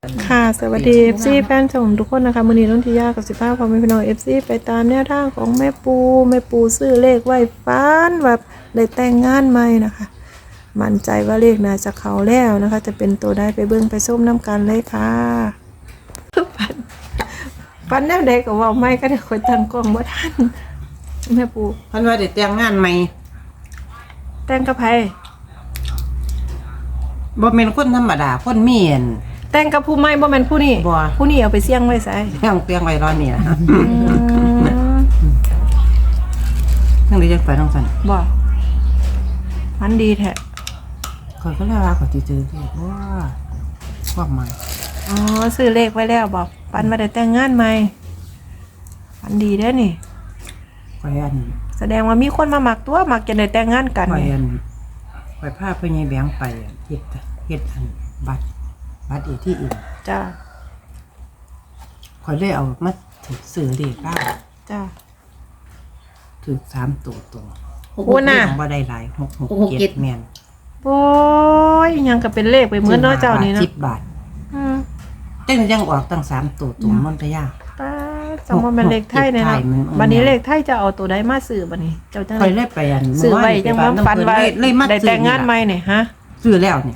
ค่ะสวัสดี FC แฟนชมทุกคนนะคะมื้อนี้น้องทิยากับ15พ่อแม่พี่น้อง FC ไปตามแนวทางของแม่ปูซื้อเลขไว้ฟันแบบได้แต่งงานใหม่นะคะมั่นใจว่าเลขน่าจะเข้าแล้วนะคะจะเป็นตัวได้ไปเบิ่งไปส้มน้ำกันเลยค่ะฟันแนวใดก็เว้าไม่ก็ได้คนตั้งกล้องบ่ทันแม่ปูเพิ่นว่าได้แต่งงานใหม่แต่งกับไผบ่แม่นคนธรรมดาคนมีอันแต่งกับผู้ใหม่บ่แม่นผู้นี้บ่ผู้นี้เอาไปเสี่ยงไว้ไสเตียงไว้รอนี่ล่ะทั้งนี้จังไปทั้งซั่นบ่มันดีแท้ข้อยก็เลยว่าข้อยสิซื้อเลขว่าความหมายอ๋อซื้อเลขไว้แล้วบอกปันมาได้แต่งงานใหม่ปันดีเด้อนี่ข้อยอันแสดงว่ามีคนมาหมักตัวหมักจะได้แต่งงานกันข้อยนี่อันข้อยพาพ่อใหญ่แบงค์ไปเฮ็ดอันบัตรอีที่อื่นจ้าข้อยเลยเอามาถึกซื้อเลขได้จ้าถึก3ตัวตรงโอ้น่ะบ่ได้หลาย667แม่นโอ้ยยังก็เป็นเลขไปเหมือนเนาะเจ้านี่เนาะ 10 บาทอืมจังยังออกตั้ง3ตัวตรงมันก็ยากป้าจำว่าเป็นเลขไทยเนี่ยเลเนาะขไทยมันบัดนี้เลขไทยจะเอาตัวใดมาซื้อบัดนี้เจ้าจังคอยได๋เลยไปอันซื้อไว้จังว่าปันว่าเลยมาได้แต่งงานใหม่นี่ฮะซื้อแล้วเนี่ย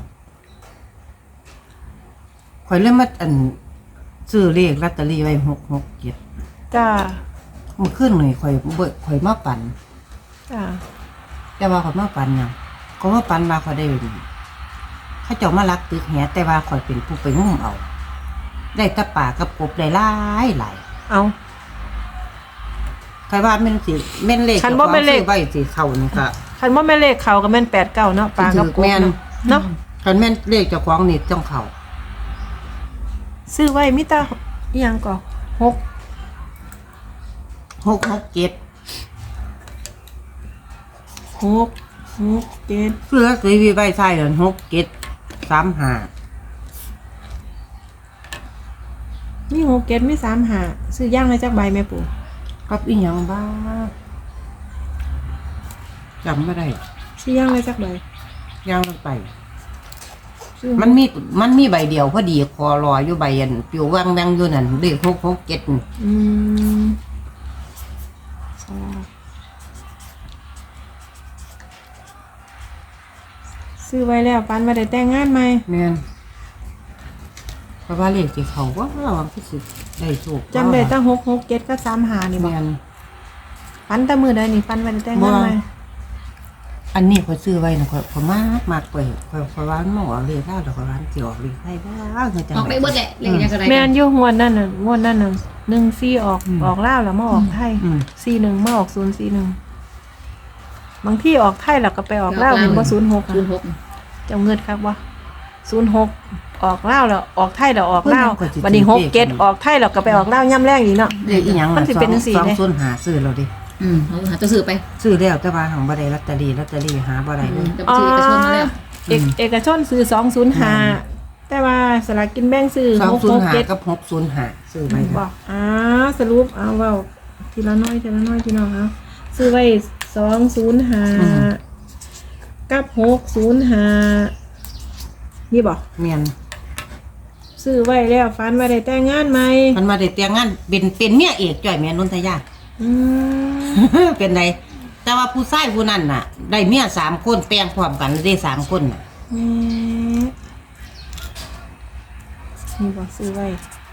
คอยเลยมาอันซื้อเลขลอตเตอรี่ไว้667 จ้าเมื่อคืนนี่คอยมาปั่นจ้าแต่ว่าคอยมาปั่นหยังก็มาปั่นว่าคอยได้เขาเจ้ามาลักตึกแหแต่ว่าคอยเป็นผู้ไปงุ่มเอา ได้แตะป่ากับกบได้หลายเอาใครว่าแม่นสิแม่นเลขคันบ่แม่นเลขซื้อไว้สิเข้านี่ก็คันว่าแม่นเลขเขาก็แม่น89เนาะปลากับกบแม่นเนาะคันแม่นเลขเจ้าของนี่ต้องเข้าซื้อไว้มีแต่อีหยังก็6 667 7 เพื่อซื้อไว้ใส่เดือน673 มี 5 6 7มี35ซื้อย่างเลยจักใบแม่ปู่กับอีหยังบ้างจำไม่ได้ซื้อย่างเลยจักใบย่างลงไปซื้อมันมีใบเดียวพอดีคอรออยู่ใบอันปิวว่างแวงอยู่นั่นเลข667นี่อืมสลากซื้อไว้แล้วปันมาได้แต่งงานใหม่แม่นเพราะว่าเลขที่เขาว่าวันที่สิได้โชคจำได้ตั้ง6 7กับ35นี่บ่แม่นปันแต่มื้อใดนี่ปันมาได้แต่งงานใหม่อันนี้เขาซื้อไว้นะเขามากไปเขาว่ามันออกเลขได้แต่เขาว่าสิออกเลขได้บ้างคือจังออกได้เบิดแหละเรียกยังไงแม่นอยู่งวดนั้นน่ะ14ออกลาวแล้วมาออกไทย41มาออก041บางที่ออกไทยแล้วก็ไปออกลาวเห็นบ่06 06 เจ้าเงินครับว่า06ออกลาวแล้วออกไทยแล้วออกลาววันนี้67ออกไทยแล้วก็ไปออกลาวย่ำแรงอีกเนาะเลขอีหยังมันสิเป็นจังซี่เด้ 205ซื้อเราดิเอาหาตัวสื่อไปซื้อแล้วแต่ว่าหังบ่ได้ลอตเตอรี่หาบ่ได้เลยจะไปซื้อเอกชนมาแล้วเอกชนซื้อ205แต่ว่าสลากกินแบ่งซื้อ667 กับ605ซื้อไว้บอกสรุปเอาเว้าทีละน้อยพี่น้องเอาซื้อไว้205กับ605นี่บอกเมียนซื้อไว้แล้วฝันว่าได้แต่งงานใหม่มันมาได้แต่งงานเป็นเมียเอกจ่อยแม่นนทยาอืมเป็นไรแต่ว่าผู้ชายผู้นั้นน่ะ ได้เมีย3คนแต่งพร้อมกันได้3คนน่ะแม่นี่บอกซื้อไว้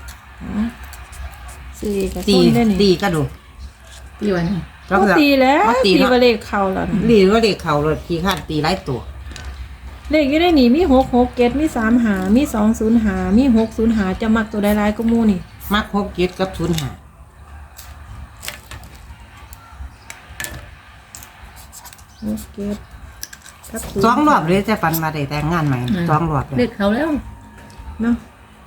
ซื้อเอกชตีนได้นี่ตีก็ดูปีวันก็ตีแล้วตีตีเนาะว่าเลขเข้าแล้วนะลีว่าเด็กเขาเลยขี้ข้านตีหลายตัวเลขอยู่ในนี่มี667มี35มี205มี605จะมักตัวใดหลายก็หมู่นี่มัก67กับ05 6กับสองรอบเลยจะปันมาได้แต่งงานใหม่2รอบเลเลืยอกเขาแล้วเนาะ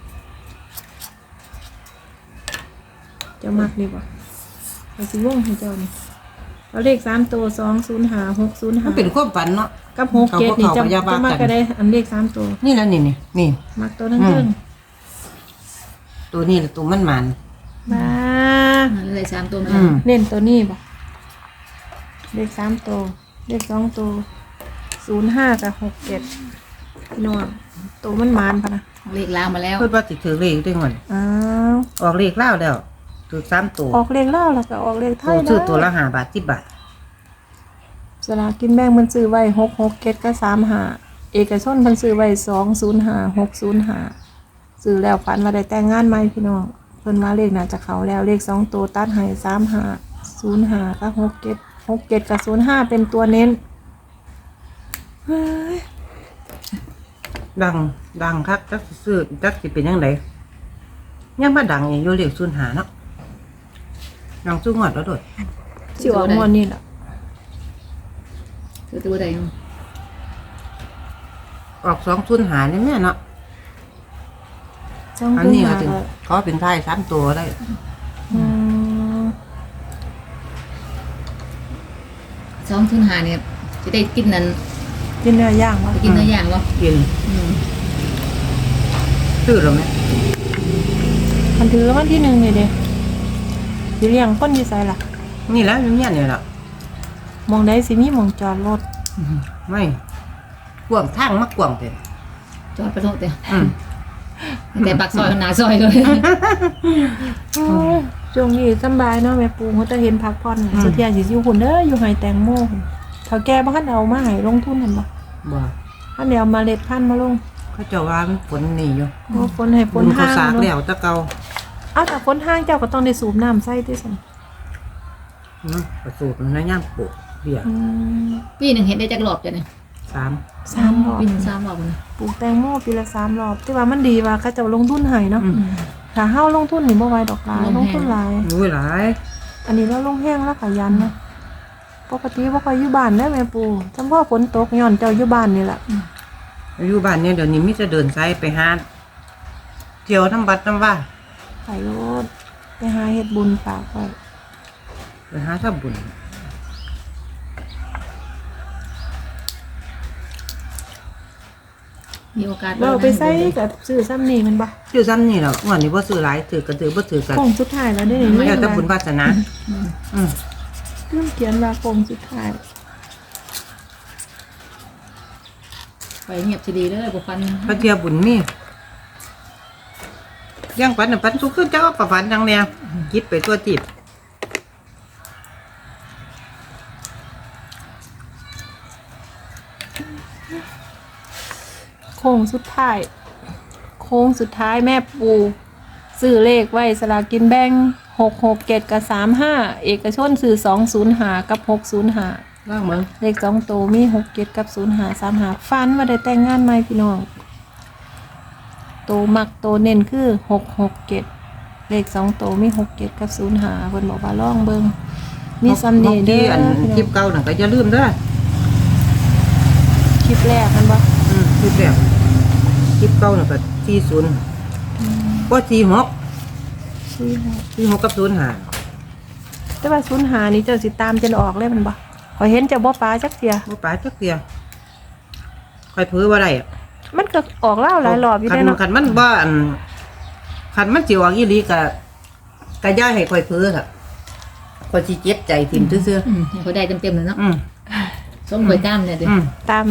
จะมักนี่บ่เอาสิวงให้เจ้านี่เอาเลข3ตัว205 มันเป็น 605 ความฝันเนาะกับ67นี่จะเขาก็อย่าว่ากันมักก็ได้อันเลข3ตัวนี่แล้วนี่มักตัวนั้นเพิ่งตัวนี้แหละตัวมันมันบ้าเลย3ตัวมาเน้นตัวนี้บ่เลข3ตัวเลข2ตัว05กับ67พี่น้องตัวมันมานพะนะเลขลางมาแล้วเพิ่นว่าสิถือเลขด้วยก่อนอ้าวออกเลขลาวแล้วถือ3ตัวออกเลขเล่าวแล้วก็ออกเลขไทตัวย ซื้อตัวได้ละ5 บาท10 บาทสลากกินแบ่งมันซื้อไว้667กับ35เอกชนมันซื้อไว้205 605ซื้อแล้วฝันว่าได้แต่งงานใหม่พี่น้องเพิ่นว่าเลขน่าจะเข้าแล้วเลข2ตัวตัดให้35 05กับ67 67กับ05เป็นตัวเน้นเฮ้ยดังคักจักสิซื้อจักสิเป็นจังไดยังมาดังอยู่เลข05เนาะดังสู้งวดแล้วโดดสิออกงวดนี้ล่ะคือตัวใดออก205นี่แม่เนาะจ้องอันขึ้นนี้มาก็ถึงขอเป็นท้าย3ตัวได้อืม 205เนี่ยจะได้กินนั้นกินเนื้อย่างวะไปกินเนื้อย่างบ่กินอืมซื้อแล้วไหมมันถือวันที่1นี่เด้สิเลี้ยงคนอยู่ไสล่ะนี่แหล้วเนี่ยนี่แหละมองได้สิมีหมองจอดรถไม่กวางทางมากกวางเต็มจอดไปโทษเด้อืมแต่ปากซอยหน้าซอยเลยช่วงนี้สำบายเนาะแม่ปูเขาจะเห็นพักผ่อนสุดที่สิอยู่พุ่นเด้ออยู่ไห้แตงโมพุ่นเฒ่าแก่บ่คันเอามาให้ลงทุนนั่นบ่บ่คันเดี๋ยวเอาเมาเล็ดพันธุ์มาลงเขาเจะว่ามันฝนนี่อยู่โอ้ฝนให้ฝฝนนเขาห้างสากเนาะแล้วแตะเกาเอาแต่ฝนห้างเจ้าก็ต้องได้สูบน้ำใส่ติซั่นประสูตรในย่ามปลูกเบี้ยอืมปีหนึงเฮ็ดได้จักรอบจ้ะเนี่ย 3 3รอบปีหนึง3รอบนะปลูกแตงโมปีละ3รอบแต่ว่ามันดีว่าเขาเจ้าลงทุนให้เนาะอืมถ้าเฮาลงทุนนี่บ่ไหวดอกหลายลงทุนหลายรู้หลายอันนี้เราลงแห้งแล้วขยันนะปกติบ่ค่อยอยู่บ้านได้แม่ปูจำพ่อฝนตกย้อนเจ้าอยู่บ้านนี่แหละอยู่บ้านเนี่ยเดี๋ยวนี้มิจะเดินไซไปหาเที่ยวน้ำบัดน้ำว่าไปโลดไปหาเฮ็ดบุญฝากไว้ไปหาทำบุญมีโอกาสเราไปใส่กับซื้อซ้ำนี่มันบ่ซื้อซ้ำนี่แหละวันนี้บ่ซื้อหลายถือก็ถือบ่ถือกันโค้งสุดท้ายแล้วได้นี่แล้วแต่บุญวาสนาอืมอืมเรื่องเขียนว่าโค้งสุดท้ายไปเงียบสิดีเด้อบ่ฟันพระเทียบุญมีย่างปันน่ะปันทุกขึ้นเจ้าประฝันจังแนวคิดไปตัวติบโค้งสุดท้ายโค้งสุดท้ายแม่ปูซื้อเลขไว้สลากกินแบ่ง667กับ35เอกชนซื้อ205กับ605 ว่างมึงเลข2ตัวมี67กับ0535ฟันว่าได้แต่งงานใหม่พี่น้องโตวมักโตวเน้นคือ667เลข2ตัวมี67กับ05เพิ่นบอกว่าลองเบิ่งมีซัมเดย์เด้ที่ออันพี่น้คลิปองเก่าน่ะก็อย่าลืมเด้อคลิปแรกมันบ่คลิปแบบคลิปเก่าน่ะก็40บ่46 46กับ05 แต่ว่า05นี่เจ้าสิตามจนออกเลยมันบ่ขอยเห็นเจ้าบ่ปลาจักเที่ยบ่ปาจักเที่ยค่อยเผือบ่ได้อะมันก็ออกเล่าวหลายรอบอยู่ได้เนาะคันมันบ่อันคันมันสิออกอีหลีก็อย่าให้ค่อยเผือค่ะค่อยสิเจ็บใจทิ่มซื่ออืมให้เขาได้เต็มๆเลยเนาะๆอืมส้มก๋วยจ้ามเนี่ยดิอืมตาม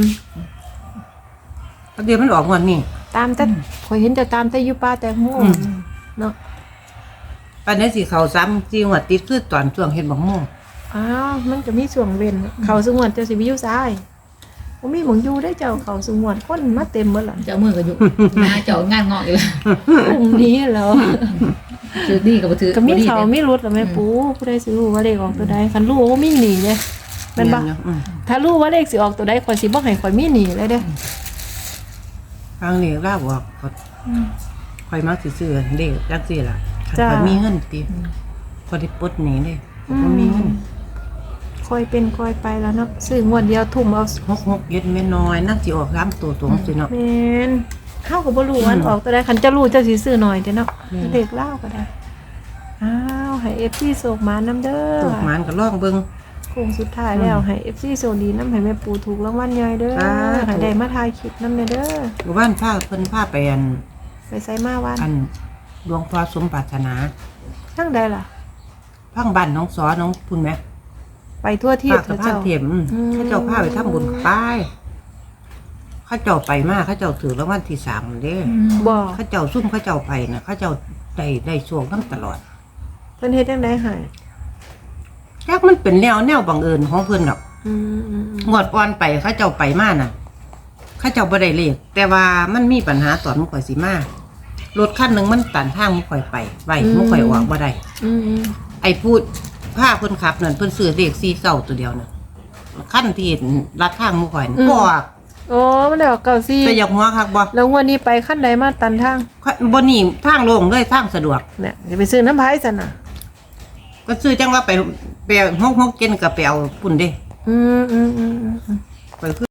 เดี๋ยวมันออกวันนี้แต่ขอยเห็นเจ้าตามแต่อยู่ป่าแต่โหเนาะปันนี้สิเข้าซ้ำที่หัวติดคือตอนช่วงเฮ็ดบักม่วงอ้าวมันก็มีช่วงเว้นเขาสงวนเจ้าสิไปอยู่ซ้ายบ่มีหมองอยู่ได้เจ้าเขาสงวนคนมาเต็มหมดล่ะเจ้ามือก็อยู่งานเจ้างานงอกอยู่แล้วพรุ่งนี้แล้วถือดีกับบ่ถือก็มีบ่ดีเขาเนี่ยมีรถล่ะแม่ปูผู้ใดสิรู้ว่าเลขออกตัวใดคันรู้ว่ามีหนีไงแม่นบ่เยอืมถ้ารู้ว่าเลขสิออกตัวใดข่อยสิบ่ให้ข่อยมีหนีเลยเด้อทางนี้ลาบอกก็ค่อยมักสิซื้อเด้จังซี่ล่ะจ้าค่อยมีเงินติพอได้ปลดหนี้เด้บ่มีเงินค่อยเป็นค่อยไปแล้วเนาะซื้องวดเดียวทุ่มเอา 66เย็ดแม่น้อยนั่นสิออก3ตัวตรงสิเนาะแม่นเฮาก็บ่รู้ว่าอันออกตัวใดคันจะรู้เจ้าสิซื้อหน่อยเด้อเนาะอืมเลขเล่าก็ได้อ้าวให้ FC โศกมานำเด้อตกหมานก็ลองเบิ่งโค้งสุดท้ายแล้วให้ FC โซดีน้ำให้แม่ปูถูกรางวัลใหญ่เด้อสาธุให้ได้มาถ่ายคลิปน้ำเด้อหมู่บ้านพาเพิ่นพาไปอันไปไสมาวันหลวงพ่อสมปรารถนาทั้งใดล่ะพังบ้านน้องสอน้องพุ่นแหมไปทั่วที่พากับพาเจ้าเทียมเขาเจ้าพาไปทำบุญป้ายเขาเขาเจ้าไปมาเขาเจ้าถือรางวัลที่3เด้บ่เขาเจ้าซุ่มเขาเจ้าไปน่ะเขาเจ้าได้โชคนำตลอดเพิ่นเฮ็ดจังได๋ให้แค่มันเป็นแนวบังเอิญของเพิ่นหรอกอืมงวดก่อนไปเขาเจ้าไปมาน่ะเขาเจ้าบ่ได้เลขแต่ว่ามันมีปัญหาตอนมุข่อยสิมารถคันหนึงมันตันทางมุข่อยไปไว้มุข่อยออกบ่ได้อืมไอ้พูดพาเพิ่นขับนั่นเพิ่นซื้อเลข49ตัวเดียวน่ะคันที่ลัดทางมุข่อยน่ะบ่ออกโอ้มันได้ออกเก่าซี่แต่อยากหัวคักบ่แล้วงวันนี้ไปขั้นใดมาตันทางบ่นี่ทางโล่งเลยทางสะดวกเนี่ยจะไปซื้อน้ำพายซั่นน่ะก็ซื้อจังว่าไปฮกเกินก็ไปเอาปุ่นเด้อืมไป